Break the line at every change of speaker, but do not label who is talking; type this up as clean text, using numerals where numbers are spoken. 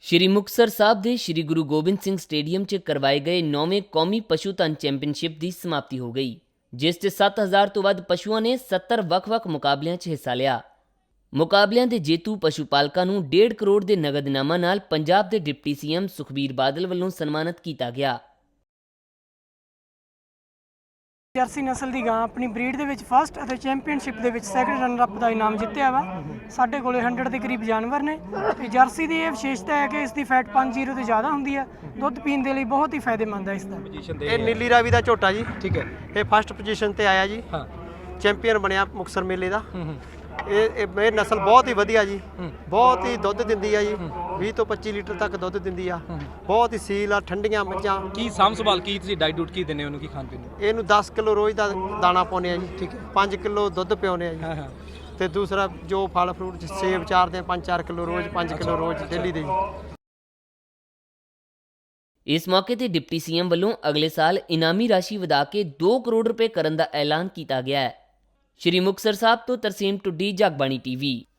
ਸ਼੍ਰੀ ਮੁਕਤਸਰ ਸਾਹਿਬ ਦੇ ਸ਼੍ਰੀ ਗੁਰੂ ਗੋਬਿੰਦ ਸਿੰਘ ਸਟੇਡੀਅਮ 'ਚ ਕਰਵਾਏ ਗਏ 9ਵੇਂ ਕੌਮੀ ਪਸ਼ੂ ਧਨ ਚੈਂਪੀਅਨਸ਼ਿਪ ਦੀ ਸਮਾਪਤੀ ਹੋ ਗਈ, ਜਿਸ 'ਚ 7000 ਤੋਂ ਵੱਧ ਪਸ਼ੂਆਂ ਨੇ 70 ਵੱਖ-ਵੱਖ ਮੁਕਾਬਲਿਆਂ 'ਚ ਹਿੱਸਾ ਲਿਆ। ਮੁਕਾਬਲਿਆਂ ਦੇ ਜੇਤੂ ਪਸ਼ੂ ਪਾਲਕਾਂ ਨੂੰ 1.5 ਕਰੋੜ ਦੇ ਨਗਦ ਇਨਾਮਾਂ ਨਾਲ ਪੰਜਾਬ ਦੇ ਡਿਪਟੀ ਸੀਐਮ ਸੁਖਬੀਰ ਬਾਦਲ ਵੱਲੋਂ ਸਨਮਾਨਿਤ ਕੀਤਾ ਗਿਆ।
ਜਰਸੀ ਨਸਲ ਦੀ ਗਾਂ ਆਪਣੀ ਬਰੀਡ ਦੇ ਵਿੱਚ ਫਸਟ ਅਤੇ ਚੈਂਪੀਅਨਸ਼ਿਪ ਦੇ ਵਿੱਚ ਸੈਕੰਡ ਰਨਰ ਅਪ ਦਾ ਇਨਾਮ ਜਿੱਤਿਆ ਵਾ। ਸਾਡੇ ਕੋਲੇ 100 ਦੇ ਕਰੀਬ ਜਾਨਵਰ ਨੇ ਤੇ ਜਰਸੀ ਦੀ ਇਹ ਵਿਸ਼ੇਸ਼ਤਾ ਹੈ ਕਿ ਇਸ ਦੀ ਫੈਟ 5.0 ਤੋਂ ਜ਼ਿਆਦਾ ਹੁੰਦੀ ਹੈ। ਦੁੱਧ ਪੀਣ ਦੇ ਲਈ ਬਹੁਤ ਹੀ ਫਾਇਦੇਮੰਦ ਹੈ ਇਸ ਦਾ।
ਇਹ ਨੀਲੀ ਰਾਵੀ ਦਾ ਝੋਟਾ ਜੀ।
ਠੀਕ ਹੈ।
ਇਹ ਫਸਟ ਪੋਜੀਸ਼ਨ ਤੇ ਆਇਆ ਜੀ।
ਹਾਂ।
ਚੈਂਪੀਅਨ ਬਣਿਆ ਮੁਕਤਸਰ ਮੇਲੇ ਦਾ। ਇਹ ਨਸਲ ਬਹੁਤ ਹੀ ਵਧੀਆ ਜੀ। ਬਹੁਤ ਹੀ ਦੁੱਧ ਦਿੰਦੀ ਆ ਜੀ। 20 ਤੋਂ 25 ਲੀਟਰ ਤੱਕ ਦੁੱਧ ਦਿੰਦੀ ਆ। ਬਹੁਤ ਹੀ ਸੀਲ ਆ, ਠੰਡੀਆਂ ਮੱਝਾਂ।
ਕੀ ਸਾਂਭ ਸੰਭਾਲ ਕੀ ਤੁਸੀਂ ਡਾਈਟ ਡੂਟ ਕੀ ਦਿੰਦੇ ਹੋ ਉਹਨੂੰ, ਕੀ ਖਾਣ ਪੀਣ ਨੂੰ?
ਇਹਨੂੰ 10 ਕਿਲੋ ਰੋਜ਼ ਦਾ ਦਾਣਾ ਪਾਉਂਦੇ ਆ ਜੀ।
ਠੀਕ ਹੈ।
5 ਕਿਲੋ ਦੁੱਧ ਪਿਆਉਂਦੇ ਆ ਜੀ।
ਹਾਂ ਹਾਂ।
ਤੇ ਦੂਸਰਾ ਜੋ ਫਲ ਫਰੂਟ ਸੇਬ ਚਾਰਦੇ ਆ 5-4 ਕਿਲੋ ਰੋਜ਼, 5 ਕਿਲੋ ਰੋਜ਼ ਡੇਲੀ ਦੇ ਜੀ।
ਇਸ ਮੌਕੇ ਤੇ ਡਿਪਟੀ ਸੀਐਮ ਵੱਲੋਂ ਅਗਲੇ ਸਾਲ ਇਨਾਮੀ ਰਾਸ਼ੀ ਵਧਾ ਕੇ 2 ਕਰੋੜ ਰੁਪਏ ਕਰਨ ਦਾ ਐਲਾਨ ਕੀਤਾ ਗਿਆ ਹੈ। ਸ਼੍ਰੀ ਮੁਕਤਸਰ ਸਾਹਿਬ ਤੋਂ ਤਰਸੀਮ ਟੁੱਡੀ, ਜਗਬਾਣੀ ਟੀਵੀ।